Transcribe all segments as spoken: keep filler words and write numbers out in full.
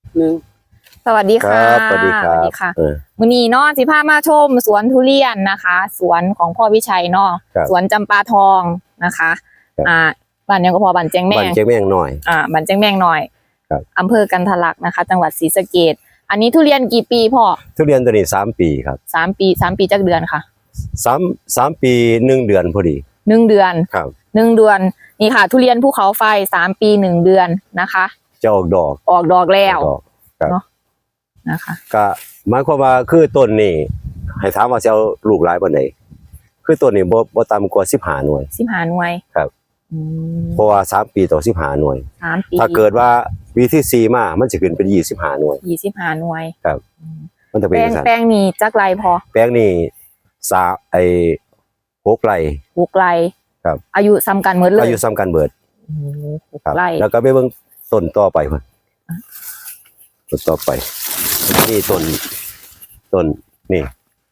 หนึ่งสวัสดีค่ะสวัสดีครับสวัสดีค่ะมื้อนี้เนาะสิพามาชมสวนทุเรียนนะคะ สวนของพ่อวิชัยเนาะสวนจำปาทองนะคะอ่าบ้านยังก็พอบ้านแจ้งแมงบ้านแจ้งแมงหน่อยอ่าบ้านแจ้งแมงหน่อยอำเภอกันทะลักนะคะ จังหวัดศรีสะเกษอันนี้ทุเรียนกี่ปีพ่อทุเรียนตัวนี้สามปีครับสามปีสามปีจักเดือนค่ะสามสามปีหนึ่งเดือนพอดีหนึ่งเดือนครับหนึ่งเดือนนี่ค่ะทุเรียนภูเขาไฟสามปีหนึ่งเดือนนะคะจะออกดอกออกดอกแล้วเนาะนะคะก็หมายความว่าคือต้นนี้ให้ถามว่าจะเอาลูกหลายปานใดคือต้นนี้บ่บ่ต่ำกว่าสิบห้าหน่วยสิบห้าหน่วยครับเพราะว่าสามปีต่อสิบห้าหน่วยสามปีถ้าเกิดว่าปีที่สี่มามันจะขึ้นเป็นยี่สิบห้าหน่วยยี่สิบห้าหน่วยครับมันจะเป็นแปลงแปลงนี้จักไรพอแปลงนี้สาไอ้หกไร่หกไร่ครับอายุซ้ำกันหมดเลยอายุซ้ำกันเบิดหกไร่แล้วก็ไปเบิ่งต้นต่อไปพุ่นต้นต่อไปนี่ต้นต้นนี่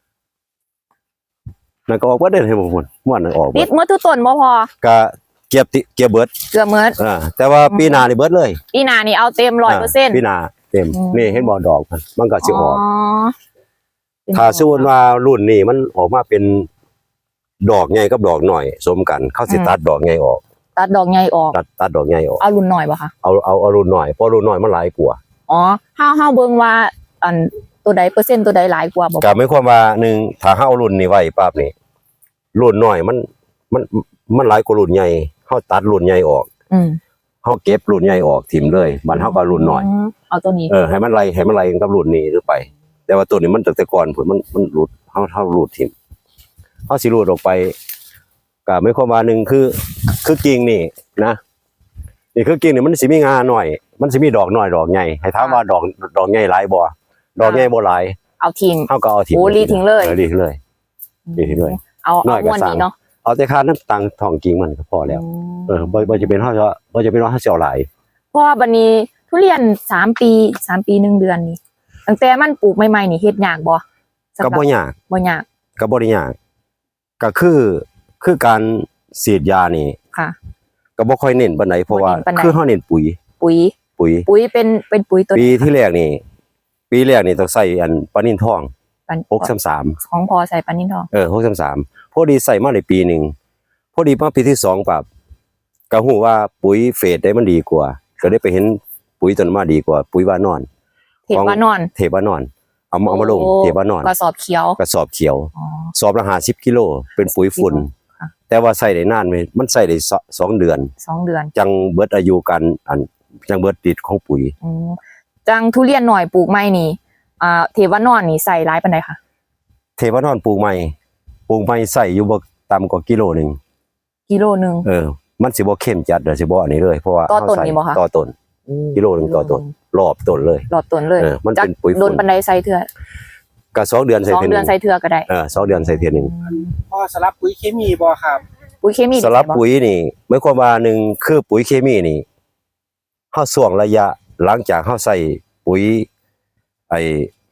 นั่นก็ออกว่าได้ให้ผมพุ่นม่วนออกติดเมื่อทุกต้นบ่พอก็เก็บติเก็บเบิดเกือบเมื่ออ่าแต่ว่าปีหน้านี่เบิดเลยปีหน้านี่เอาเต็มร้อยเปอร์เซ็นต์ปีหน้าเต็มนี่เห็นบ่ดอกมันมันก็สิออกถ้าสมมุติว่ารุ่นนี้มันออกมาเป็นดอกใหญ่กับดอกหน่อยสมกันเขาสิตัดดอกใหญ่ออกตัดดอกใหญ่ออกตัดตัดดอกใหญ่ออกเอารุ่นหน่อยป่ะคะเอาเอาเอารุ่นหน่อยเพราะรุ่นหน่อยมันหลายกว่าอ๋อห้าห้าเบิ่งว่าอันตัวใดเปอร์เซ็นต์ตัวใดหลายกว่าบ่ก็หมายความว่าหนึ่งถ้าเฮารุ่นนี้ไว้ปั๊บนี่รุ่นน้อยมันมันมันหลายกว่ารุ่นใหญ่เฮาตัดรุ่นใหญ่ออกอืมเฮาเก็บรุ่นใหญ่ออกทิ่มเลยบัดเฮาก็รุ่นน้อยเอาตัวนี้เออให้มันไล่ให้มันไล่กับรุ่นนี้หรือไปแต่ว่าตัวนี้มันตั้งแต่ก่อนพุ่นมันมันหลุดเฮาเฮารูดทิ่มเฮาสิรูดออกไปก็หมายความว่าหนึ่งคือคือกิ่งนี่นะนี่คือกิ่งนี่มันสิมีงาหน่อยมันสิมีดอกน้อยดอกใหญ่ให้ถามว่าดอกดอกใหญ่หลายบ่ดอกใหญ่บ่หลายเอาทิ้งเฮาก็เอาทิ้งโอ้รีทิ้งเลยรีทิ้งเลยรีทิ้งเลยเอาเอาม้วนนี้เนาะเอาแต่ค่าน้ำตังทองกิ่งมันก็พอแล้วเออบ่บ่จะเป็นเฮาจะบ่จะเป็นว่าเฮาสิเอาหลายเพราะว่าบัดนี้ทุเรียนสามปีสามปีหนึ่งเดือนนี่ตั้งแต่มันปลูกใหม่ๆนี่เฮ็ดยากบ่ก็บ่ยากบ่ยากก็บ่ได้ยากก็คือคือการฉีดยานี่ค่ะก็บ่ค่อยเน้นปานใดเพราะว่าคือเฮาเน้นปุ๋ยปุ๋ยปุ๋ยปุ๋ยเป็นเป็นปุ๋ยตัวปีที่แรกนี่ปีแรกนี่ต้องใส่อันปานินทองหกสามสามของพอใส่ปานินทองเออหกสามสามพอดีใส่มาในปีหนึ่งพอดีมาปีที่สองปั๊บก็ฮู้ว่าปุ๋ยเฟสได้มันดีกว่าก็ได้ไปเห็นปุ๋ยตัวนั้นมาดีกว่าปุ๋ยว่านอนเทปว่านอนเทปว่านอนเอามาเอามาลงเทปว่านอนกระสอบเขียวกระสอบเขียวสอบละห้าสิบกิโลเป็นปุ๋ยฝุ่นแต่ว่าใส่ได้นานมั้ยมันใส่ได้สองเดือนสองเดือนจังเบิดอายุกันอันจังเบิดติดของปุ๋ยอือจังทุเรียนหน่อยปลูกใหม่นี่อ่าเทปว่านอนนี่ใส่หลายปานใดคะเทปว่านอนปลูกใหม่ปลูกใหม่ใส่อยู่บ่ต่ำกว่ากิโลนึงกิโลนึงเออมันสิบ่เข้มจัดเด้อสิบ่อันนี้เลยเพราะว่าต่อต้นนี่บ่คะต่อต้นกิโลนึงต่อต้นรอบต้นเลยรอบต้นเลยเออมันเป็นปุ๋ยโดนปานใดใส่เทื่อก็สองเดือนใส่เทื่อนึงสองเดือนใส่เทื่อก็ได้เออสองเดือนใส่เทื่อนึงพอสลับปุ๋ยเคมีบ่ครับปุ๋ยเคมีสลับปุ๋ยนี่หมายความว่าหนึ่งคือปุ๋ยเคมีนี่เฮาช่วงระยะหลังจากเฮาใส่ปุ๋ยไอ้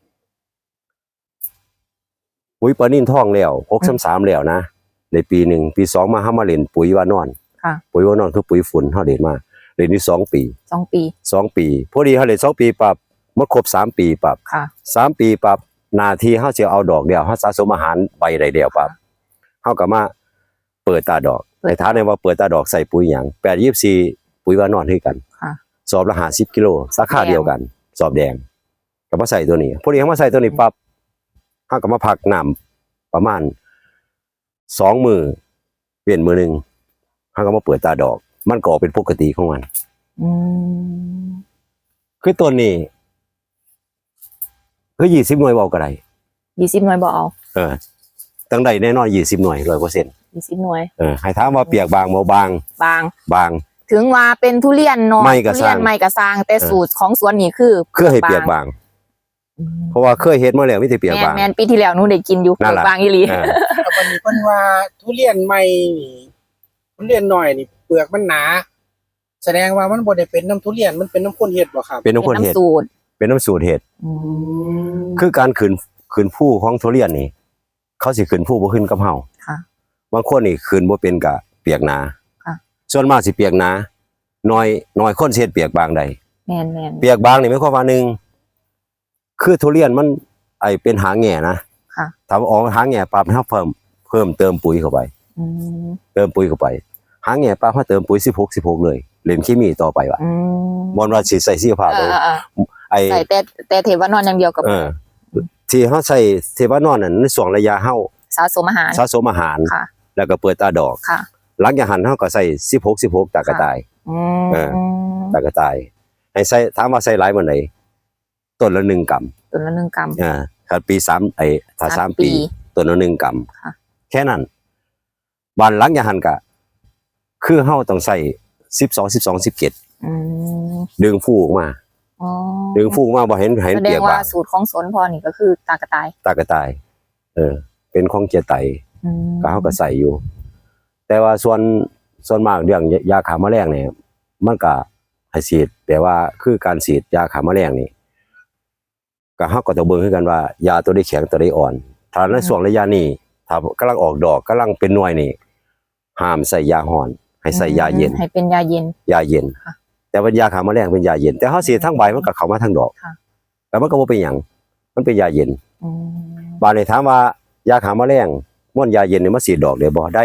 ปุ๋ยปานินทองแล้วหกสามสามแล้วนะในปีหนึ่งปีสองมาเฮามาเล่นปุ๋ยว่านอนค่ะปุ๋ยว่านอนคือปุ๋ยฝุ่นเฮาเล่นมาเล่นนี่สองปีสองปีสองปีพอดีเฮาเล่นสองปีปั๊บมันครบสามปีปั๊บค่ะสามปีปั๊บหน้าที่เฮาสิเอาดอกเดียวเฮาสะสมอาหารใบได้เดียวปั๊บเฮาก็มาเปิดตาดอกในฐานะว่าเปิดตาดอกใส่ปุ๋ยหยังแปด ยี่สิบสี่ปุ๋ยว่านอนคือกันค่ะสอบละห้าสิบกิโลสาขาเดียวกันสอบแดงก็มาใส่ตัวนี้พอดีเฮามาใส่ตัวนี้ปั๊บเฮาก็มาพักน้ำประมาณสองมื้อเปลี่ยนมื้อนึงเฮาก็มาเปิดตาดอกมันก็ออกเป็นปกติของมันอืมคือตัวนี้คือยี่สิบหน่วยเว้าก็ได้ยี่สิบหน่วยบ่เอาเออตั้งได้แน่นอนยี่สิบหน่วย ร้อยเปอร์เซ็นต์ยี่สิบหน่วยเออให้ถามว่าเปียกบางบ่บางบางบางถึงว่าเป็นทุเรียนน้อยทุเรียนใหม่กระซางแต่สูตรของสวนนี่คือคือให้เปียกบางเพราะว่าเคยเฮ็ดมาแล้วมีแต่เปียกบางแม่นปีที่แล้วหนูได้กินอยู่เปียกบางอีหลีแต่วันนี้เพิ่นว่าทุเรียนใหม่นี่ทุเรียนน้อยนี่เปลือกมันหนาแสดงว่ามันบ่ได้เป็นน้ำทุเรียนมันเป็นน้ำข้นเห็ดบ่ครับเป็นน้ำข้นเห็ดเป็นน้ำสูตรเห็ดคือการขืนขืนผู้ของทุเรียนนี่เขาสิขืนผู้บ่ขึ้นกับเฮาค่ะบางคนนี่ขืนบ่เป็นกะเปียกหนาค่ะส่วนมากสิเปียกหนาน้อยน้อยคนสิเฮ็ดเปียกบางใดแม่นแม่นเปียกบางนี่หมายความว่าหนึ่งคือทุเรียนมันไอเป็นหางแง่นะค่ะถ้าออกหางแง่ปั๊บเฮาเพิ่มเพิ่มเติมปุ๋ยเข้าไปอืมเติมปุ๋ยเข้าไปหางแง่ปั๊บเฮาเติมปุ๋ยสิบหก สิบหกเลยเล่นเคมีต่อไปว่ะอืมบ่ว่าสิใส่ชีวภาพเอเลยอเออไอใส่แต่แต่เทวานอนอย่างเดียวกับเออที่เฮาใส่เทวานอนนั่นในช่วงระยะเฮาสะสมอาหารสะสมอาหารค่ะแล้วก็เปิดตาดอกค่ะหลังจากหันเฮาก็ใส่สิบหก สิบหกตากระต่ายอืมเออ ตากระต่ายให้ใส่ถามว่าใส่หลายมื้อใดต้นละหนึ่งกรัมตัวละหนึ่งกรัมอ่าถ้าปีสามไอ้ถ้าสามสามปีปีต้นละหนึ่งกรัมค่ะแค่นั้นบานหลังจากหันก็คือเฮาต้องใส่สิบสอง สิบสอง สิบเจ็ดอืมดึงฟูออกมาอ๋อดึงฟูออกมาบ่เห็นเห็นแสดเปียงกว่าบางสูตรของสนพอนี่ก็คือตากระต่ายตากระต่าย เออ เป็นของเจไตอืมก็เฮาก็ใส่อยู่ แต่ว่าส่วนส่วนมากเรื่องยาฆ่าแมลงเนี่ยมันก็ให้ฉีดแต่ว่าคือการฉีดยาฆ่าแมลงนี่ก็เฮาก็ต้องเบิ่งคือกันว่ายาตัวใดแข็งตัวใดอ่อนถ้าในช่วงระยะนี้ถ้ากำลังออกดอกกำลังเป็นหน่วยนี่ห้ามใส่ยาฮ้อนให้ใส่ยาเย็นให้เป็นยาเย็นยาเย็นค่ะแต่ว่ายาฆ่าแมลงเป็นยาเย็น แต่เฮาฉีดทั้งใบมันก็เข้ามาทั้งดอกค่ะแต่มันก็บ่เป็นหยังมันเป็นยาเย็นอืมบาดนี้ถามว่ายาฆ่าแมลงม่วนยาเย็นนี่มาฉีดดอกได้บ่ได้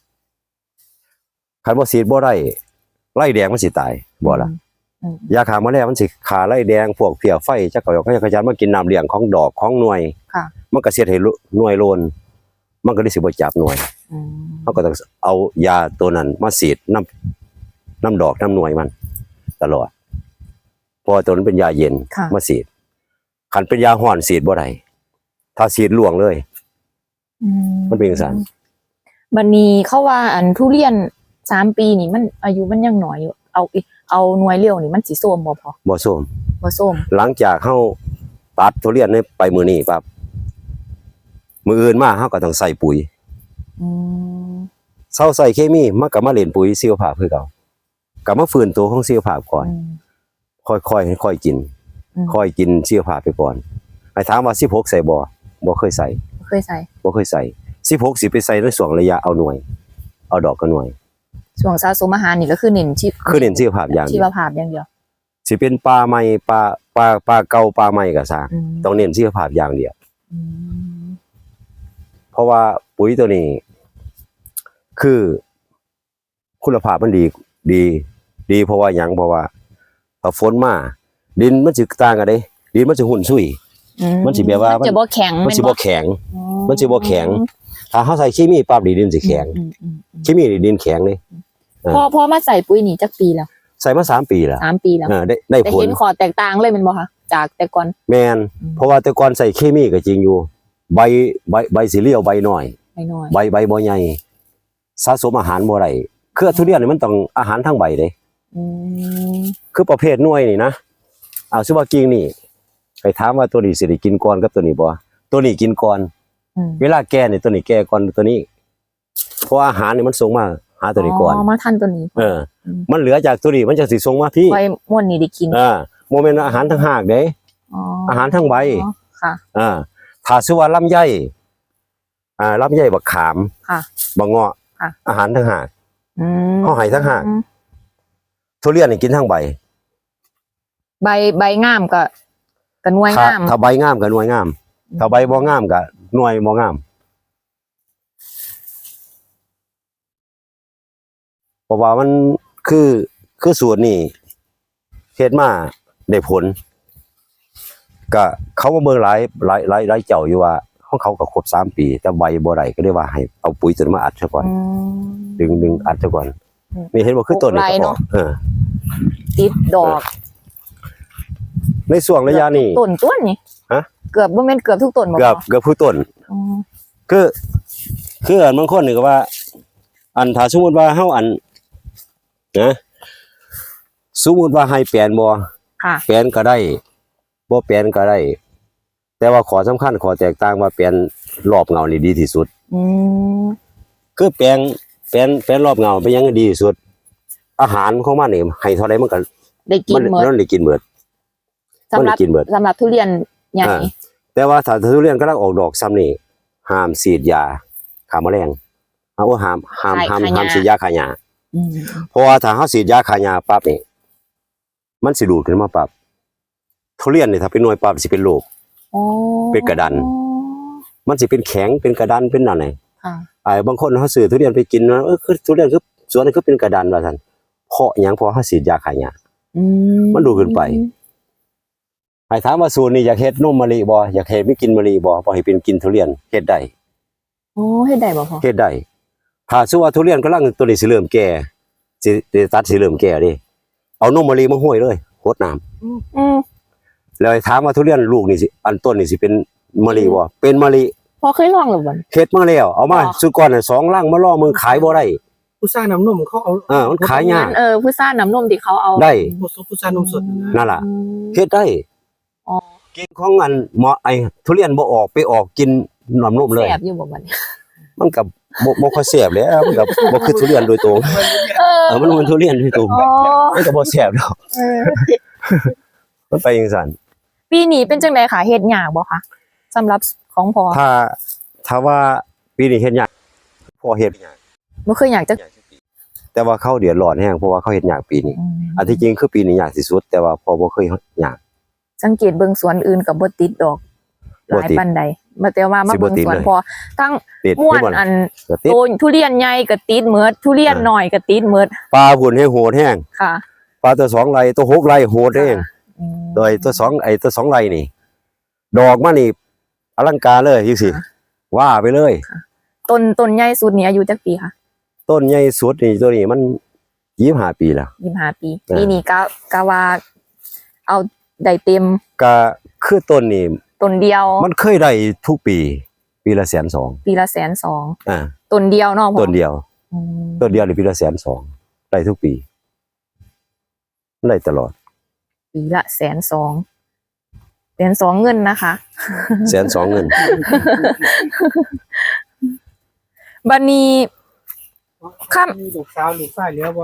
คันบ่ฉีดบ่ได้ไล่แดงมันสิตายบ่ล่ะอืมยาฆ่าแมลงมันสิฆ่าไล่แดงพวกเพี้ยไฟจักกะยอกจักรจันทร์มันกินน้ำเลี้ยงของดอกของหน่วยค่ะมันก็เสียดให้หน่วยโลนมันก็ได้สิบ่จับหน่วยอืมเฮาก็ต้องเอายาตัวนั้นมาฉีดน้ำน้ำดอกน้ำหน่วยมัน ตลอดเพอตัวนั้นเป็นยาเย็นค่ะมาฉีดคันเป็นยาฮ้อนฉีดบ่ได้ถ้าฉีดล่วงเลยอืมันเป็นจังซั่นบัดนี้เขาว่าอันทุเรียนสามปีนี่มันอายุมันยังน้อยอยู่เอาอีเอาหน่วยเลี้ยวนี่มันสิส้มบ่พอบ่ส้มบ่ส้มหลังจากเฮาตัดทุเรียนนี่ไปมื้อนี้ปั๊บมื้ออื่นมาเฮาก็ต้องใส่ปุ๋ยอืมเซาใส่เคมีมันก็มาเล่นปุ๋ยชีวภาพคือเก่าก็มาฟื้นตัวของชีวภาพก่อนอืมค่อยๆค่อยๆกินอืมค่อยกินชีวภาพไปก่อนไอ้ถามว่าสิบหกใส่บ่บ่เคยใส่เคยใส่บ่เคยใส่สิบหกสิไปใส่ในช่วงระยะเอาหน่วย เอาดอกกับหน่วยช่วงสะสมอาหารนี่ก็คือเน้นชีคือเน้นชีวภาพอย่างชีเดียววภาพอย่างเดียวสิเป็นปลาใหม่ปลาปลาปลาเก่าปลาใหม่ก็ซางอืมต้องเน้นชีวภาพอย่างเดียวอืมเพราะว่าปุ๋ยตัวนี้ คือคุณภาพมันดีดี ดีเพราะว่าหยังเพราะว่าพอฝนมาดินมันสิต่างกันเด้ดินมันสิหุ่นซุยอืมันสิแบบว่ามันจะบ่แข็งมันสิบ่แข็งอ๋อมันสิบ่แข็ง ถ้าเฮาใส่เคมีปั๊บดินสิแข็งอืมอืมอืมเคมีนี่ดินแข็งเลย เออพอพอมาใส่ปุ๋ยนี่จักปีแล้วใส่มาสามปีแล้วสามปีแล้วเออได้ได้แต่ผลเห็นขอแตกต่างเลยแมันบ่คะจากแต่ก่อนแม่นอืมเพราะว่าแต่ก่อนใส่เคมีก็จริงอยู่ ใบใบใบสีเหลียวใบน้อยไปหน่อยใบใบบ่ใหญ่สะสมอาหารบ่ได้คือทุเรียนนี่มันต้องอาหารทั้งใบเด้อืมคือประเภทหน่วยนี่นะเอาซิว่ากิ่งนี่ไปถามว่าตัวนี้สิได้กินก่อนกับตัวนี้บ่ตัวนี้กินก่อนอืมเวลาแก่นี่ตัวนี้แก่ก่อนตัวนี้ เพราะอาหารนี่มันส่งมาหาตัวนี้ก่อนอ๋อมาทันตัวนี้เออ มันเหลือจากตัวนี้มันจะสิส่งมาพี่ไว้ม่วนนี่ได้กินอ่าโมเมนต์อาหารทั้งหากเด้อ๋ออาหารทั้งใบอ๋อค่ะอ่าถ้าซิว่าลำไยอ่าลำไยบักขามค่ะบักเงาะค่ะอาหารทั้งหากอืมเขาให้ทั้งหาก ทุเรียนนี่กินทั้งใบใบใบงามก็ก็หน่วยถ้างามถ้าใบงามก็หน่วยงาม ถ้าใบบ่งามก็หน่วยบ่งามเพราะว่ามันคือคือสูตรนี่เฮ็ดมาได้ผลก็เขามาเบิ่งหลายหลายหลายหลายเจ้าอยู่ว่าของเขาก็ครบสามปี แต่ใบบ่ได้ก็เลยว่าให้เอาปุ๋ยตัวนั้นมาอัดซะก่อนอืมดึงดึงอัดซะก่อนอืมนี่เห็นบ่คือต้นนี่ปลูกไรก็เนาะเออติดดอกในช่วงระยะนี้ต้นต้นนี่ฮะเกือบบ่แม่นเกือบทุกต้นบ่เกือบพอเกือบผู้ต้นอืมคือคืออันบางคนนี่ก็ว่า อันถ้าสมมุติว่าเฮาอันนะสมมุติว่าให้แปลนบ่ค่ะแปลนก็ได้บ่แปลนก็ได้ แต่ว่าขอสำคัญขอแตกต่างว่าแปลนรอบเงานี่ดีที่สุดอืมคือแปลงแปลนแปลนรอบเงาเป็นหยังดีที่สุด อาหารของมันนี่ให้เท่าใดมันก็ได้กิมัน นหมดมันได้กินเบิดสำหรับมันได้กินเบิดสำหรับทุเรียนใหญ่อ่า แต่ว่าถ้าทุเรียนกำลังออกดอกซ้ำนี่ห้ามฉีดยาฆ่าแมลงเอาว่าห้ามห้ามห้ามห้ามฉีดยาฆ่าหญ้าอืมเพราะว่าถ้าเฮาฉีดยาฆ่าหญ้าปั๊บนี่มันสิดูดขึ้นมาปรับทุเรียนนี่ถ้าเป็นหน่วยปรับสิเป็นโลกอ๋อเป็นกระดัน มันสิเป็นแข็งเป็นกระดานเป็นอะไรค่ะไอ้บางคนเขาซื้อทุเรียนไปกินนะเออคือทุเรียนคือสวนนี่คือเป็นกระดานว่าซั่นเพราะหยังเพราะเขาฉีดยาฆ่าหญ้าอืมมันดูดขึ้นไป ไอ้ถามว่าสูตรนี้อยากเฮ็ดนมมะลิบ่อยากเฮ็ดไม่กินมะลิบ่บ่ให้เป็นกินทุเรียนเฮ็ดได้โอ้เฮ็ดได้บ่พ่อเฮ็ดได้ถ้าสมมุติว่าทุเรียนกำลังตัวนี้สิเริ่มแก่สิสิตัดสิเริ่มแก่ดิเอานมมะลิมาห้อยเลยโคตรน้ำอืมแล้วไอ้ถามว่าทุเรียนลูกนี่สิอันต้นนี่สิเป็นมะลิบ่เป็นมะลิพ่อเคยลองหรือบ่เฮ็ดมาแล้วเอามาอ๋อสุก่อนน่ะสองลังมาล่อมือขายบ่ได้ผู้สร้างน้ำนมเขาเอาเออมันขายยากเออผู้ซ่าน้ำนมที่เขาเอาได้ผู้ผู้สร้างนมสดนั่นล่ะอืมเฮ็ดได้อ๋อกินของอันหมอไอ้ทุเรียนบ่ออกไปออกกินน้ำนมเลยแซ่บอยู่บ่บัดนี้มันกับบ่บ่ค่อยแซ่บแล้วมันกับบ่คือทุเรียนโดยตรงเออเออมันมันทุเรียนโดยตรงอ๋อมันก็บ่แซ่บดอกเออมันไปจังซั่นปีนี้เป็นจังไดค่ะเฮ็ดยากบ่คะสำหรับของพ่อถ้าถ้าว่าปีนี้เฮ็ดยากพอเฮ็ดยากบ่เคยอยากจะแต่ว่าเขาเดือดร้อนแฮงเพราะว่าเขาเฮ็ดยากปีนี้อืมอันที่จริงคือปีนี้ยากที่สุดแต่ว่าพอบ่เคยยากสังเกตเบิ่งสวนอื่นก็บ่ติดดอกหบ่ลายติดปานใดมาแต่ว่ามาสิบ่เบิ่งติดสวนเลยพอทั้งติดม่วนเห็บ่อันก็ติดโตนทุเรียนใหญ่ก็ติดเมิดทุเรียนอ่าน้อยก็ติดเมิดปลาพุ่นให้โหดแฮงค่ะปลาตัวสองไร่ตัวหกไร่โหดเองอืมโดยตัวสองไอ้ตัวสองไร่นี่ ดอกมานี่อลังการเลยจังซี่ว่าไปเลยต้นต้นใหญ่สุดนี่อายุจักปีค่ะต้นใหญ่สุดนี่ตัวนี้มันยี่สิบห้าปีแล้วยี่สิบห้าปีอ่าปีนี้ก็ก็ว่าเอาได้เต็มก็คือต้นนี่ต้นเดียวมันเคยได้ทุกปี ปีละแสนสองปีละแสนสองอ่าต้นเดียวเนาะพ่อต้นเดียวอืมต้นเดียวนี่ปีละแสนสองได้ทุกปีได้ตลอดปีละแสนสองแสนสองเงินนะคะแสนสองเงินบัดนี้ ครับมีลูกสาวลูกชายเหลือบ่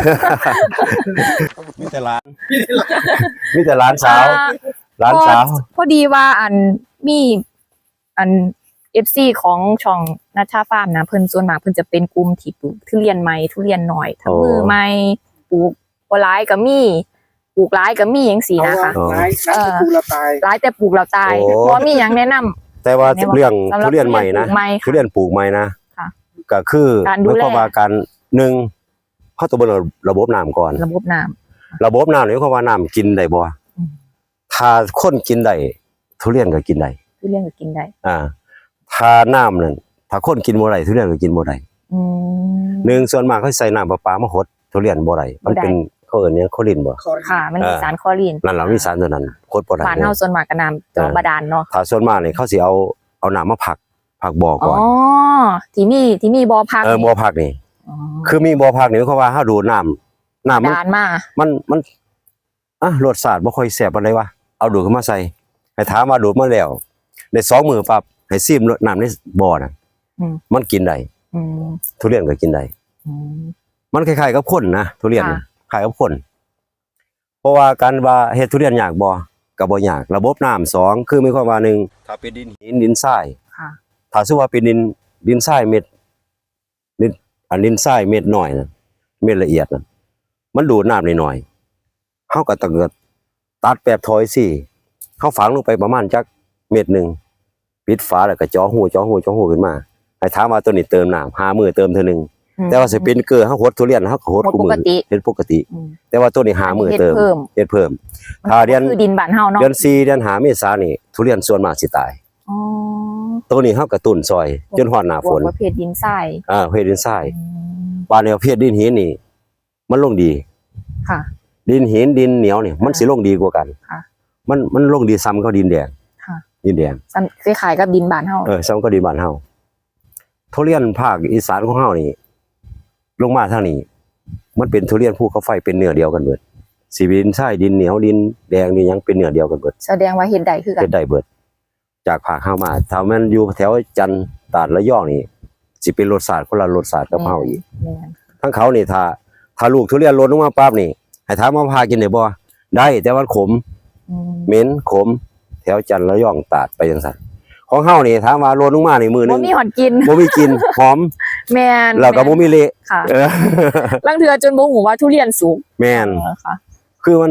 มีแต่ร้านมีแต่ร้านสาวอ่ร้านสาวพอพอดีว่าอันมีอัน เอฟ ซี ของช่องนัชชาฟาร์มนะเพิ่นส่วนมากเพิ่นจะเป็นกลุ่มที่ปลูกทุเรียนใหม่ทุเรียนหน่อยทั้งอ๋อมือใหม่ปลูกบ่หลายก็มีปลูกหลายก็มีจังซี่นะคะอ๋อตายตายกูละตายหลายแต่ปลูกแล้วตายโอ้บ่มีหยังแนะนำแต่ว่าในว่าเรื่องสำหรับทุเรียนใหม่นะทุเรียนปลูกใหม่ค่ะทุเรียนปลูกใหม่นะค่ะก็คือการดูแลหมายความว่าการหนึ่งเขาต้องเบิ่งระบบน้ำก่อนระบบน้ำระบบน้ำนี่หมายความว่าน้ำกินได้บ่อืมถ้าคนกินได้ทุเรียนก็กินได้ทุเรียนก็กินได้อ่า ถ้าน้ำนั่นถ้าคนกินบ่ได้ทุเรียนก็กินบ่ได้อืมหนึ่งส่วนมากเขาใส่น้ำประปามาหดทุเรียนบ่ได้มันเป็นเขาเอิ้นหยังโคลินบ่ค่ะ มันมีเออสารคลอรีนนั่นล่ะมีสารตัวนั้นโคตรบ่ได้บ้านเฮาส่วนมากก็น้ำจอมบาดาลเนาะถ้าส่วนมากนี่เขาสิเอาเอาน้ำมาผักผักบ่ออ๋ก่ออนที่มีที่มีบ่อพักเออบ่อผักนี่อ๋อคือมีบ่อผักนี่เขามว่าเฮาดูดน้ำน้ำมันบาดาลมามันมันอ่ะรสชาติบ่ค่อยแซ่บปานใดวะเอาดูดขึ้นมาใส่ให้ถามว่าดูดมาแล้วในสองมื้อปั๊บให้ซิมรสน้ำในบ่อน่ะอืมมันกินได้อืมทุเรียนก็กินได้อืมมันคล้ายๆกับคนนะทุเรียนค่ะคล้ายกับคน เพราะว่าการว่าเฮ็ดทุเรียนยากบ่ก็บ่ยากระบบน้ำสองคือมีความว่าหนึ่งถ้าเป็นดินหินดินทรายค่ะถ้าสมมุติว่าเป็นดินดินทรายเม็ดดินอันดินทรายเม็ดน้อยน่ะเม็ดละเอียดน่ะมันดูดน้ำได้น้อยเฮาก็ต้องตัดแปบถอยสิเฮาฝังลงไปประมาณจักเม็ดหนึงปิดฝาแล้วก็เจาะหูเจาะหูเจาะหูขึ้นมาให้ถามว่าตัวนี้เติมน้ำห้ามื้อเติมเทื่อนึงอืมแต่ว่าสปรินเกอร์เฮาหดทุเรียนเฮาก็หดหดคู่มืปกติเฮ็ดปกติอืมแต่ว่าตัวนี้หามือฮ็ดเติมเพิ่มเฮ็ดเพิ่ม ถ้าเดือนก็คือดินบ้านเฮาเนาะเดือนสี่เดือนห้าเมษายนนี่ทุเรียนส่วนมากสิตายอ๋อตัวนี้เฮากระตุ้นซอย จนฮอดหน้าฝนพวกประเภทดินทรายอ่าเพศดินทรายอืมบ้านแนวเพศดินหินนี่ มันลงดีค่ะดินหินดินเหนียวนี่มันสิลงดีกว่ากันค่ะมันมันลงดีซ้ำกับดินแดงค่ะดินแดงซ้ำคล้ายๆกับดินบ้านเฮาเออซ้ำกับดินบ้านเฮาทุเรียนภาคอีสานของเฮานี่ลงมาทางนี้ มันเป็นทุเรียนภูเขาไฟเป็นเนื้อเดียวกันเบิดสิเป็นดินทรายดินเหนียวดินแดงนี่ยังเป็นเนื้อเดียวกันเบิดแสดงว่าเฮ็ดได้คือกัเฮ็นดได้เบิดจากภาคเฮามาถ้ามันอยู่แถวจันทร์ตราดระยองนี่สิเป็นรสชาติคนละรสชาติกับเฮาอีกแม่นทั้งเขานี่ถ้าถ้าลูกทุเรียนหล่นลงมาปั๊บนี่ให้ถามว่าพากินได้บ่ได้แต่ว่าขมอืมเหม็นขม แถวจันทร์ระยองตราดไปจังซั่นของเฮานี่ถามว่าหล่นลงมานี่มือหนึบ่งมีหอนกินบ่มีกลินหอมแม่นแล้วก็บ่มีเละค่ะเออลังเทือจนบ่ฮู้ว่าทุเรียนสุกแม่นเออค่ะคือมัน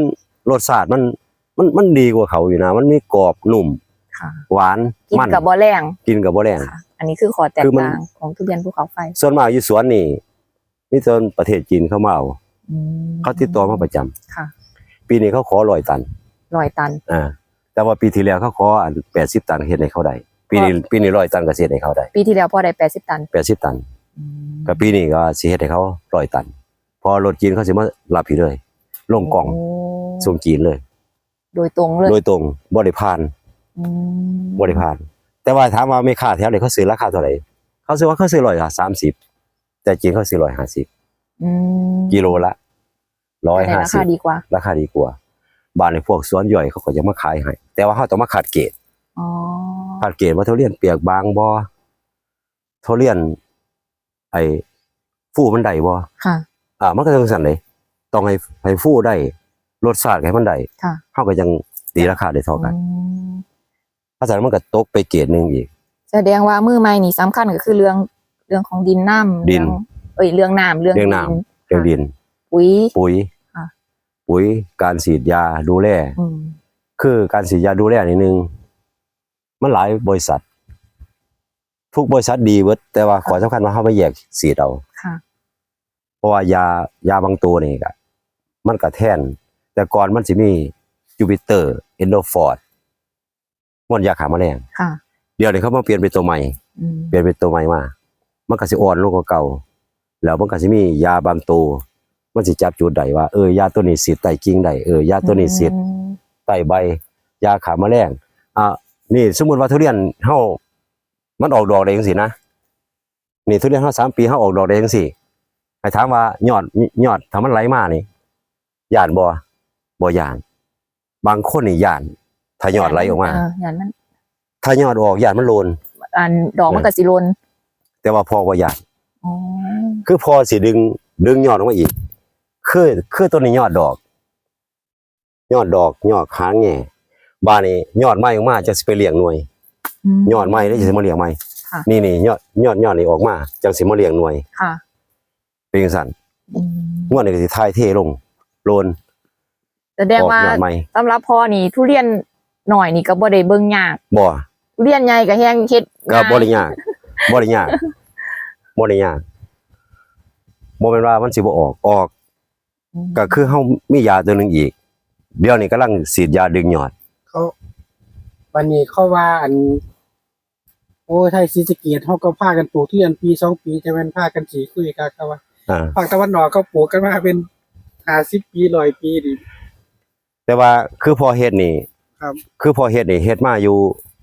รสชาติมันมันมันดีกว่าเขาอยู่นะมันมีกรอบนุ่มค่ะหวานกินมันกับบ่แรงกินกับบ่แรงค่ะ อันนี้คือขอแตกคือมันต่างของทุเรียนภูเขาไฟส่วนมากอยู่สวนนี่มีแต่ประเทศจีนเข้ามาเอาอืมเขาติดต่อมาประจำค่ะปีนี้เขาขอร้อยตันร้อยตันอ่าแต่ว่าปีที่แล้วเขาขออันแปดสิบตันเฮ็ดให้เขาได้ปีนี้ปีนี้ร้อยตันก็สิเฮ็ดให้เขาได้ปีที่แล้วพอได้แปดสิบตันแปดสิบตันอืมก็ปีนี้ก็สิเฮ็ดให้เขาร้อยตัน พอรถจีนเขาสิมารับพี่เลยลงกล่องโส่งจีนเลยโดยตรงเลยโดยตรงบ่ได้ผ่านอืมบ่ได้ผ่าน แต่ว่าถามว่าไม่ค่าแถวนี่เขาซื้อราคาเท่าไหร่เขาซื้อว่าเขาซื้อร้อยสามสิบแต่จีนเขาซื้อร้อยห้าสิบอืมกิโลละร้อยแต่ห้าราสิคาบดีกว่าราคาดีกว่าบ้านในพวกสวนย่อยเขาก็จะมาขายให้แต่ว่าเขาต้องมาขาดเกรดอ๋อขาดเกรดว่าทุเรียนเปียกบางบ่ทุเรียนไอ้ฟูมันได้บ่ค่ะอ่ามันก็ต้องสั่นเลยต้องให้ให้ฟูได้รสชาติให้มันได้ค่ะเฮาก็ยังตีราคาได้เท่ากันอืมเพราะฉะนั้นมันก็ตกไปเกรดหนึงอีกแสดงว่ามือใหม่นี่สำคัญก็คือเรื่องเรื่องของดินน้ำดินเรื่องเอ้ยเรื่องน้ำเรื่องเรื่องน้ำ เรื่องดินปุ๋ยปุ๋ยค่ะปุ๋ยการฉีดยาดูแลอืมคือการฉีดยาดูแลนี่หนึงมันหลายบริษัท ทุกบริษัทดีเบิดแต่ว่าขอสำคัญว่าเฮาไปแยกฉีดเอาค่ะเพราะว่ายายาบางตัวนี่ก็มันก็แทน แต่ก่อนมันสิมีจูปิเตอร์เอนโดฟอร์ดมันยาฆ่าแมลงค่ะเดี๋ยวนี้เขามาเปลี่ยนเป็นตัวใหม่อืมเปลี่ยนเป็นตัวใหม่มามันก็สิอ่อนลงกว่าเก่าแล้วมันก็สิมียาบางตัวมันสิจับจุดได้ว่าเออยาตัวนี้ฉีดใต้กิ่งได้เออยาตัวนี้ฉีดอืมใต้ใบยาฆ่าแมลงอ่ะนี่สมมุติว่าทุเรียนเฮามันออกดอกได้จังซี่นะนี่ทุเรียนเฮาสามปีเฮาออกดอกได้จังซี่ให้ถามว่ายอดยอดถ้ามันไหลมานี่ย่านบ่บ่ย่านบางคนนี่ย่านถ้ายอดไหลออกมาเอย่างนั้นถ้ายอดออกย่านมันโลนอันดอกมันก็สิโลนแต่ว่าพอบ่ย่านอ๋อคือพอสิดึงดึงยอดออกมาอีกคือคือต้นนี้ยอดดอก ยอดดอกยอดค้างแง่บานนี้ยอดไม้ออกมาจะสิไปเลี้ยงหน่วยมยอดไม้แล้วจะสิมาเลี้ยงไม้ค่ะนี่นี่ยอดยอดยอดนี่ออกมาจังสิมาเลี้ยงหน่วยค่ะเป็นจังซั่นอืมงวดนี้ก็สิทายเทลงโลนแสดงออกว่ายอดไม้สำหรับพ่อนี่ทุเรียนหน่อยนี่ก็บ่ได้เบิ่งยากบ่ทุเรียนใหญ่ก็แฮงเฮ็ดก็ง่ายบ่ได้ยากบ่ได้ยากบ่ได้ยากบ่แม่นว่ามันสิบ่ออกออกมก็คือเฮามียาตัวหนึงอีก เดี๋ยวนี้กำลังฉีดยาดึงยอดเขาวันนี้เขาว่าอัน โอ้ไทยศรีสะเกษเฮาก็พากันปลูกทุเรียนปีสองปีแต่แม่นพากันสิคุยกันครับว่าอ่าภาคตะวันออกเขาปลูกกันมาเป็นห้าสิบปีร้อยปีดิแต่ว่าคือพอเฮ็ดนี่ครับคือพอเฮ็ดนี่เฮ็ดมาอยู่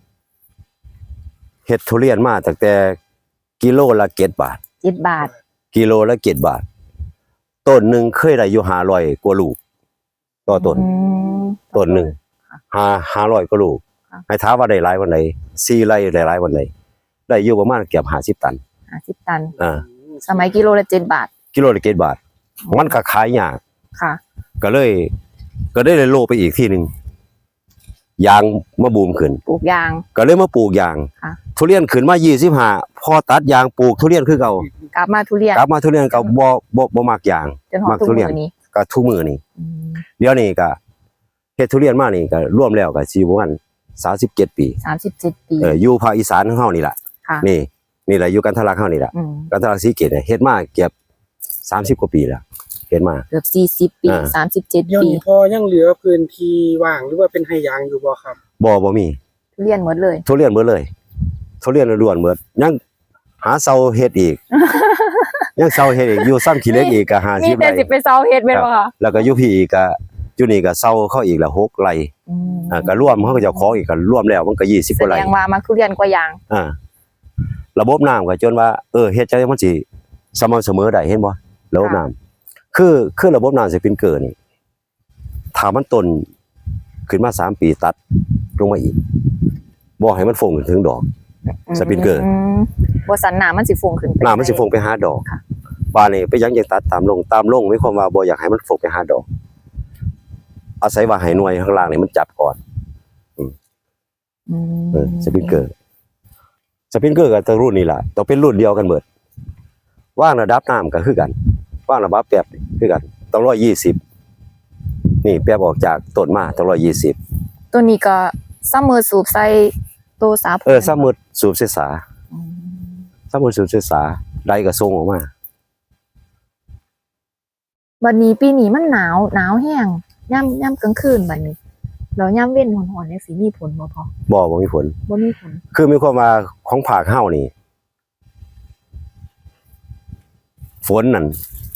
เฮ็ดทุเรียนมาตั้งแต่กิโลละเจ็ดบาทเจ็ดบาทกิโลละเจ็ดบาท ต้นหนึงเคยได้อยู่ห้าร้อยกว่าลูกต่อต้นอืมต้นหนึงห้า ห้าร้อยกว่าลูกค่ะให้ถามว่าได้หลายปานใดสี่ไร่ได้หลายปานใดได้อยู่ประมาณเกือบห้าสิบตันห้าสิบตันอ่าสมัยกิโลละเจ็ดบาทกิโลละเจ็ดบาท มันก็ขายยากค่ะก็เลย ก็ได้เลยโลไปอีกที่หนึงยางมาบูมขึ้นปลูกยางก็เลยมาปลูกยางค่ะทุเรียนขึ้นมายี่สิบห้าพอตัดยางปลูกทุเรียนคือเก่ากลับมาทุเรียนกลับมาทุเรียนเก่าบ่บ่บ่มักยางจนหอดมักทุกทุเรียนมื้อนี้ก็ทุกมื้อนี่อืมเดี๋ยวนี้ก็เฮ็ดทุเรียนมานี่ก็รวมแล้วก็สิประมาณสามสิบเจ็ดปีสามสิบเจ็ดปีเอออยู่ภาคอีสานของเฮานี่ล่ะค่ะนี่นี่แหละอยู่กันทะลักเฮานี่ล่ะอืมกันทะลักศรีเกตเนี่ยเฮ็ดมาเกือบสามสิบกว่าปีแล้วเฮ็ดมาเกือบสี่สิบปีอ่าสามสิบเจ็ดเดี๋ยวปีนี้พอยังเหลือพื้นที่ว่างหรือว่าเป็นให้ยางอยู่บ่ครับบ่บ่มีทุเรียนหมดเลยทุเรียนเบิดเลยทุเรียนล้วนๆเบิดยังหาเซาเฮ็ดอี ก ยังเซาเฮ็ดอีกอยู่ซ้ำขี้เหล็กอีกก็มีห้าสิบแต่ไร่สิไปเซาเฮ็ดแม่นบ่คะแล้วก็อยู่พี่อีกก็อยู่นี่ก็เซาเข้าอีกละหกไร่อืมอ่าก็รวมเขาก็เจะของอีกก็รวมแล้วมันก็ยี่สิบกแสว่าไร่ดงว่ามาทุเรียนกว่ายางอ่าระบบน้ำก็จนว่าเออเฮ็ดจังได๋มันสิสม่ำเสมอได้เห็นบ่ระบบน้ำคือคือระบบน้ำสปริงเกอร์นี่ถ้ามันต้นขึ้นมาสามปีตัดลงมาอีกบ่ให้มันฟงถึงดอก สปริงเกอร์มบ่สันน้ำมันสิฟงขึ้นไปน้ำมันสิฟงไปหาดอกค่ะบ้านนี่ไปยังยังตัดตามลงตามลงหมายความว่าบ่อยากให้มันฟงไปหาดอก อาศัยว่าให้หน่วยข้างล่างนี่มันจับก่อนอืมเออสปริงเกอร์สปริงเกอร์ก็ต้องรุ่นนี้ล่ะต้องเป็นรุ่นเดียวกันเบิดว่างระดับน้ำก็คือกันว่างระดับแป๊บนี่คือกันต้องร้อยยี่สิบนี่แป๊บออกจากต้นมาตั้งร้อยยี่สิบตัวนี้ก็ซ้ำมือสูบใส่ตัวสาผเออซ้ำมือสูบเสษาอืมซ้ำมือสูบเสษาได้ก็ส่งออกมาบัดนี้ปีนี้มันหนาวหนาวแห้งย่ำย่ำกลางคืนบัดนี้แล้วย่ำเว้นหอนๆเนี่ยสิมีผลบ่พอบ่บ่มีผลบ่มีผลคือมีความว่าของภาคเฮานี่ฝนนั่น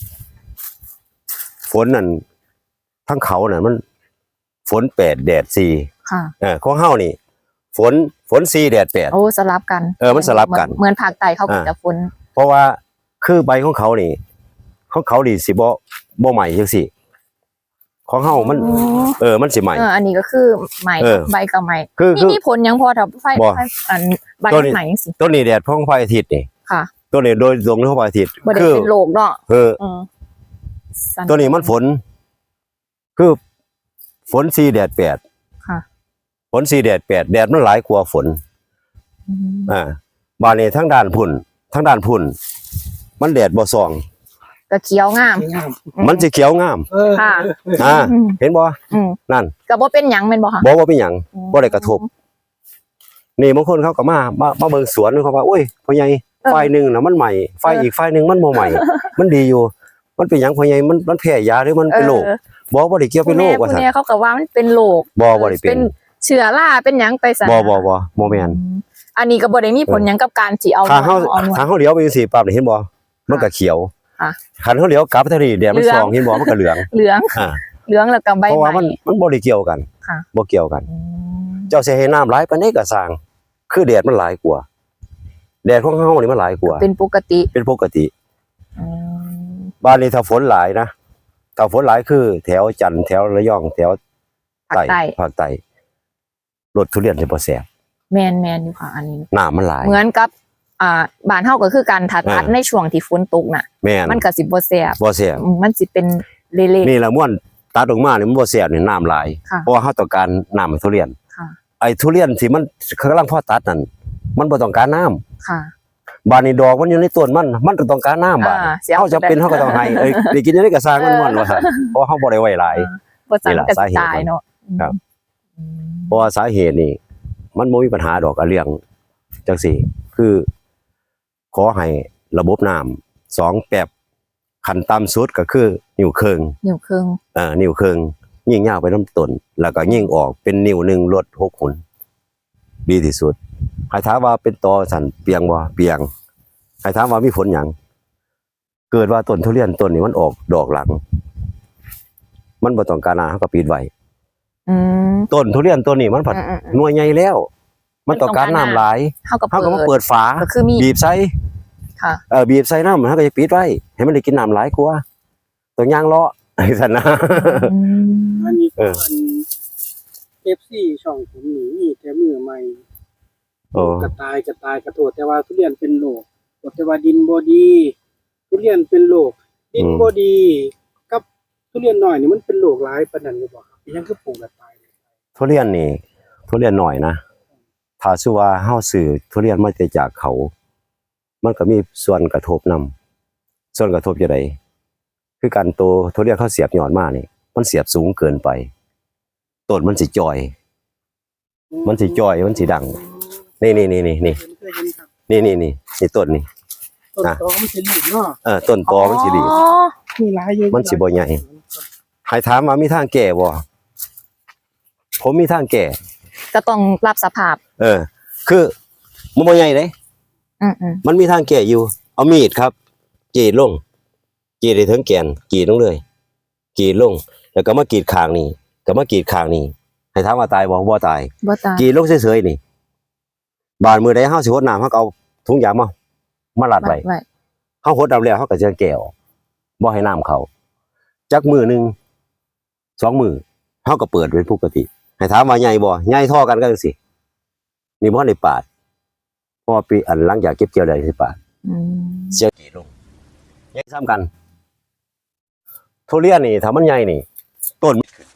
ฝนนั่นทั้งเขาน่ะมัน ฝนแปดแดดสี่ค่ะเออของเฮานี่ ฝนฝนสี่แดดแปดโอ้สลับกันเออมันสลับกันเหมือนภาคใต้เขาก็อ่าจะฝนเพราะว่าคือใบของเขานี่ของเขาดีสิบ่บ่ใหม่จังซี่ของเฮามันอ๋อเออมันสิใหม่เอออันนี้ก็คือใหม่เออใบกับใหม่คือนี่คือมีผลหยังพอถ้าไฟบ่ไฟอันใบตัวนี้ใหม่สิต้นนี้แดดของพระอาทิตย์นี่ค่ะต้นนี้โดยตรงของพระอาทิตย์บ่ได้คือเป็นโรคเนาะเออเออสั่ตัวนี้มันฝน คือฝนสี่แดดแปดค่ะฝนสี่แดดแปดแดดมันหลายกว่าฝนอืมอ่าบานนี้ทั้งด้านพุ่นทั้งด้านพุ่น มันแดดบ่ส่องก็เขียวงามงามมันสิเขียวงามเออค่ะอ่าอืมเห็นบ่อืมนั่นก็บ่เป็นหยังแม่นบ่คะบ่ว่าเป็นหยังบ่ได้กระทบ นี่บางคนเขาก็มามามาเบิ่งสวนเขาว่าโอ้ยพ่อใหญ่ฝ่ายหนึงน่ะมันใหม่ฝ่ายอีกฝ่ายหนึงมันบ่ใหม่ มันดีอยู่ มันเป็นหยังพ่อใหญ่มันมันแพ้ยาหรือมันเป็นโรคเออบ่บ่ได้เกี่ยวเป็นโรคผู้ว่าแน่ซั่นผู้แน่เขาก็ว่ามันเป็นโรคบ่บ่ได้เป็นเชื้อราเป็นหยังไปซะบ่บ่บ่บ่แม่นอืมอันนี้ก็บ่ได้มีผลหยังกับการสิเอาทางเฮาเอาหนวดทางเฮาเลี้ยวไปจังซี่ปั๊บนี่เห็นบ่มันก็เขียวค่ะคันเฮาเลี้ยวกลับทางนี้แดดมันเหลืองส่องเห็นบ่มันก็เหลืองเหลืองอ่าเหลืองแล้วก็ใบเพราะใหว่ามันม่มันบ่ได้เกี่ยวกันค่ะบ่เกี่ยวกันอืมเจ้าสิให้น้ำหลายปานใดก็สร้าง คือแดดมันหลายกว่าแดดของเฮานี่มันหลายกว่าเป็นปกติเป็นปกติอืมบ้านนี้ถ้าฝนหลายนะถ้าฝนหลายคือ แถวจันทร์แถวระยองแถวภาคใต้ภาคใต้รถทุเรียนจะบ่แซ่บแม่นแม่นอยู่ค่ะอันนี้น้ำมันหลายเหมือนกับอ่าบ้านเฮาก็คือการถัดตัดอ่าในช่วงที่ฝนตกน่ะแม่นมันก็สิบ่แซ่บบ่แซ่บอืมมันสิเป็นเละนี่ละม่วนตัดออกมานี่มันบ่แซ่บนี่น้ำหลายๆค่ะเพราะว่าเฮาต้องการน้ำให้ทุเรียนค่ะไอ้ทุเรียนที่มันกำลังพอตัดนั่นมันบ่ต้องการน้ำค่ะบ้านนี้ดอกมันอยู่ในต้นมันมันก็ต้องการน้ำบาดอ่าสิเอาเฮาจะเป็นเฮาก็ต้องให้เอ้ยได้กินได้ก็สร้างมันมันว่าซั่นเพราะเฮาบ่ได้ไว้หลายบ่สั่นนี่ล่ะก็สาสิเหตุตายมันเนาะครับอืมเพราะว่าสาเหตุนี่มันบ่มีปัญหาดอกอะเรื่องจังซี่ คือขอให้ระบบน้ำสองแป๊บขั้นต่ำสุดก็คือนิ้วครึ่งนิ้วครึ่งเอ่อนิ้วครึ่งยิ่งยาวไปน้ำต้นแล้วก็ยิ่งออกเป็นนิ้วหนึงลดหกหุนดีที่สุดใครถามว่าเป็นตอสั่นเปียงบ่เปียงใครถามว่ามีผลหยังเกิดว่าต้นทุเรียนต้นนี้มันออกดอกหลัง มันบ่ต้องการน้ำเฮาก็ปิดไว้อืมต้นทุเรียนต้นนี้มันผัดอืมหน่วยใหญ่แล้ว มันต้องการน้ำหลายๆเฮาก็เฮาก็มาเปิเปิดดฝาก็คือมีบีบใส่ค่ะเออบีบใส่น้ำเฮาก็จะปิดไว้ให้มันได้กินน้ำหลายกว่าตัวย่างเลาะ ไอ้ซั่นนะอืมอันนี้เอก็ออัน เอฟ ซี ช่องผมนี่มีแต่มือใหม่โอ้กระตายกระตายกระโดดแต่ว่าทุเรียนเป็นโรคแต่ว่าดินบ่ดี ทุเรียนเป็นโรคดินบ่ดี กับทุเรียนน้อยนี่มันเป็นโรคหลายปานนั้นอยู่บ่ครับยังคือปลูกกระตายเลยทุเรียนนี่ทุเรียนหน่อยนะถ้าชื่อว่าเฮาซื้อทุเรียนมาจากเขา มันก็มีส่วนกระทบนำส่วนกระทบจังไดคือการโตทุเรียนเขาเสียบยอดมานี่มันเสียบสูงเกินไปต้นมันสิจอย มันสิจอยมันสิดัง นี่นี่นี่นี่นี่เคยเห็นครับนี่นี่นี่นี่ต้นนี่ต้นตอมันสิหลีเนาะเออต้นตอมันสิดีอ๋อมีหลายอยู่มันสิบ่ใหญ่ ใครถามว่ามีทางแก้บ่ผมมีทางแก้ก็ต้องรับสภาพเออ คือมันบ่ใหญ่เด้อืมอืมมันมีทางแก้อยู่ เอามีดครับกรีดลงกรีดได้ถึงแกนกรีดลงเลยกรีดลง แล้วก็มากรีดข้างนี่ก็มากรีดข้างนี่ให้ถามว่าตายบ่บ่ตายบ่ตายกรีดลงเฉยๆนี่บาดมือใดเฮาสิหดน้ำเฮาก็เอาถุงยางมามารัดไว้ไว้เฮาหดน้ำแล้วเฮาก็จะแก้วบ่ให้น้ำเข้าจักมือหนึงสองมือเฮาก็เปิดเป็นปกติ ให้ถามว่าใหญ่บ่ใหญ่เท่อกันก็จังซี่นี่บ่ได้ปาดเพราะว่าปีอันหลังจากเก็บเกี่ยวได้สิปาดอืมเสียกี่ลงใหญ่ซ้ำกันทุเรียนนี่ถ้ามันใหญ่นี่ต้น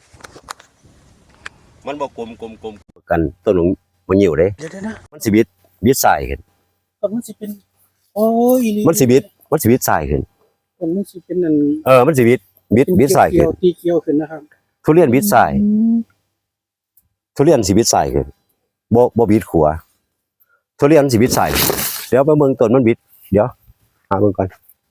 มันบ่กลมกลมกลมกันต้นมันหิวเด้เดี๋ยวๆนะมันสิบิดบิดสายขึ้นต้นมันสิเป็นโอ้ยอีหลีมันสิบิดมันสิบิดสายขึ้นต้นมันสิเป็นนั่นเออมันสิบิดบิดบิดสายขึ้นตีเกียวขึ้นนะครับทุเรียนบิดซ้ายอืมทุเรียนสิบิดซ้ายขึ้นบ่บ่บิดขวาทุเรียนสิบิดซ้ายเดี๋ยวมาเบิ่งต้นมันบิดเดี๋ยวหาเบิ่งก่อน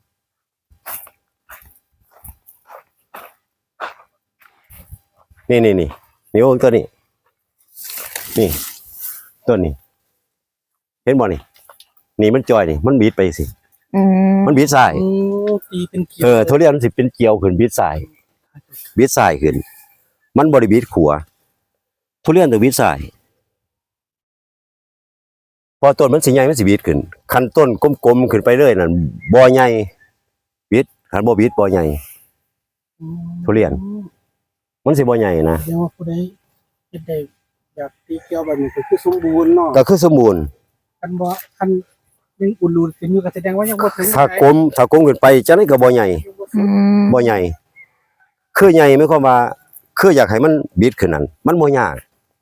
นี่นี่นี่นี่โอ้ตัวนี้นี่ต้นนี้เห็นบ่นี่นี่มันจอยนี่มันบิดไปสิอืมมันบิดซ้ายโอ้ตีเป็นเกี่ยวเออทุเรียนมันสิเป็นเกลียวขึ้นบิดซ้ายบิดซ้ายขึ้นมันบ่ได้บิดขวาทุเรียนต้องบิดซ้ายพอต้นมันสิใหญ่มันสิบิดขึ้นคันต้นกลมๆขึ้นไปเรื่อยนั่นบ่ใหญ่บิดคันบ่บิดบ่ใหญ่ทุเรียนมันสิบ่ใหญ่นะเดี๋ยวว่าผู้ใดเฮ็ดได้อยากตีเกี่ยวแบบนี้ก็คือสมบูรณ์เนาะก็คือสมบูรณ์คันบ่คันยังอุ่นรูนขึ้นอยู่ก็แสดงว่ายังบ่ถึงถ้ากลมถ้ากลมขึ้นไปจังได๋ก็บ่ใหญ่อืมบ่ใหญ่คือใหญ่หมายความว่าคืออยากให้มันบิดขึ้นนั่นมันบ่ยาก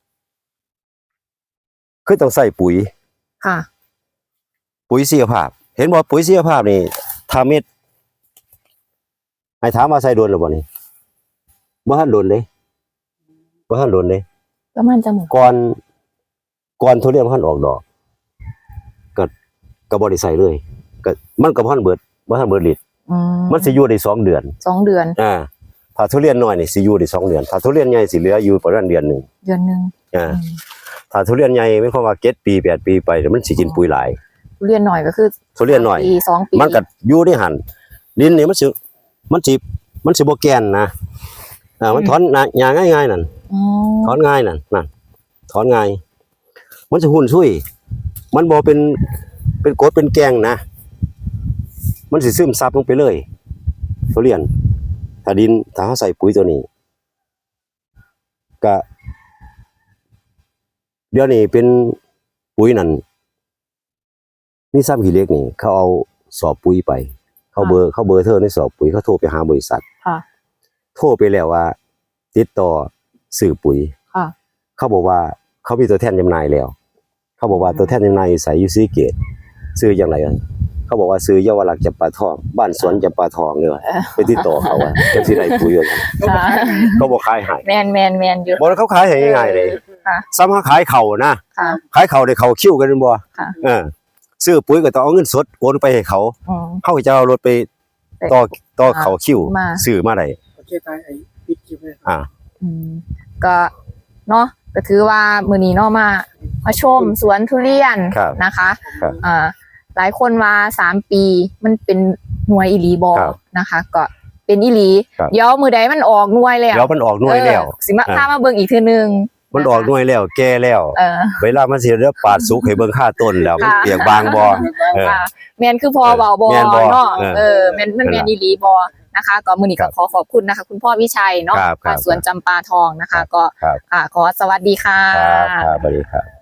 คือต้องใส่ปุ๋ยค่ะปุ๋ยชีวภาพ เห็นบ่ปุ๋ยชีวภาพนี่ถ้าเม็ดให้ถามว่าใส่โดนหรือบ่นี่บ่ทันโดนเด้บ่ทันโดนเด้ประมาณจะหมดก่อนก่อนทุเรียนบ่ทันออกดอกก็ก็บ่ได้ใส่เลยก็มันก็บ่ทันเบิดบ่ทันเบิดฤทธิ์อืมมันสิอยู่ได้สองเดือนสองเดือนอ่าถ้าทุเรียนน้อยนี่สิอยู่ได้สองเดือนถ้าทุเรียนใหญ่สิเหลืออยู่ประมาณเดือนหนึงเดือนหนึ่งอ่าอืมถ้าทุเรียนใหญ่หมายความว่าเจ็ดปีแปดปีไปเดี๋ยวมันสิกินปุ๋ยหลายทุเรียนหน่อยก็คือทุเรียนน้อยปีสองปีมันก็อยู่ในหั่นดินนี่มันสิมันสิมันสิบ่แกนนะอ่ามันถอนนะหญ้าง่ายๆนั่นอ๋อถอนง่ายนั่นนั่นถอนง่ายมันสิหุ่นซุยมันบ่เป็นเป็นกรดเป็นแกงนะมันสิซึมซับลงไปเลยทุเรียนถ้าดินถ้าเฮาใส่ปุ๋ยตัวนี้ก็เดี๋ยวนี้เป็นปุ๋ยนั่นนี่ซ้ำขี้เหล็กนี่เขาเอาสอบปุ๋ยไป เขาเบอร์เขาเบอร์เธอในสอบปุ๋ยเขาโทรไปหาบริษัทค่ะโทรไปแล้วว่า ติดต่อซื้อปุ๋ยค่ะเขาบอกว่าเขามีตัวแทนจำหน่ายแล้ว เขาบอกว่าตัวแทนจำหน่ายอยู่ไสอยู่ศรีเกตซื้ออย่างไรอ่ะเขาบอกว่าซื้อเยาวรักษ์จำปาทองบ้านสวนจำปาทองเนี่ยไปติดต่อเขาว่าจังสิได้ปุ๋ยว่าซั่นค่ะเขาบอกขายให้แมนแมนแมนอยู่บ่เขาขายให้ง่ายๆเลยค่ะซ้ำหาขายเข่านะค่ะขายเข่าได้เข่าคิ้วกันบ่ค่ะเออซื้อปุ๋ยก็ต้องเอาเงินสดโอนไปให้เขาอืมเขาก็จะเอารถไปต่อต่อเขาคิ้วมาซื้อมาได้โอเคตายไอ้ปิดคลิปเลยอ่าอืมก็เนาะก็ถือว่ามื้อนี้เนาะมามาชมสวนทุเรียนครับนะคะครับอ่าหลายคนว่าสามปีมันเป็นหน่วยอีหลีบอครับนะคะ ก็เป็นอีหลีครับเดี๋ยวมือใดมันออกหน่วยแล้วเดี๋ยวมันออกหน่วยแล้วเออสิมาอ่าพามาเบิ่งอีกเทื่อนึงมันออกหน่วยแล้วแก่แล้วเออเวลามันสิเรียกปาดสุกให้เบิ่งค่าต้นแล้วมันค่ะเปียกบางบ่ เออค่ะแมนคือพอเบาบอแม่นบ่เนาะเออเออแมนมันแมนอีหลีบอนะคะก็มือนี้ครัก็บขอขอบคุณนะคะ คุณพ่อวิชัยเนาะครับครับสวนจำปาทองนะคะ ก็ครับอ่าขอสวัสดีค่ะครับครับสวัสดีครับ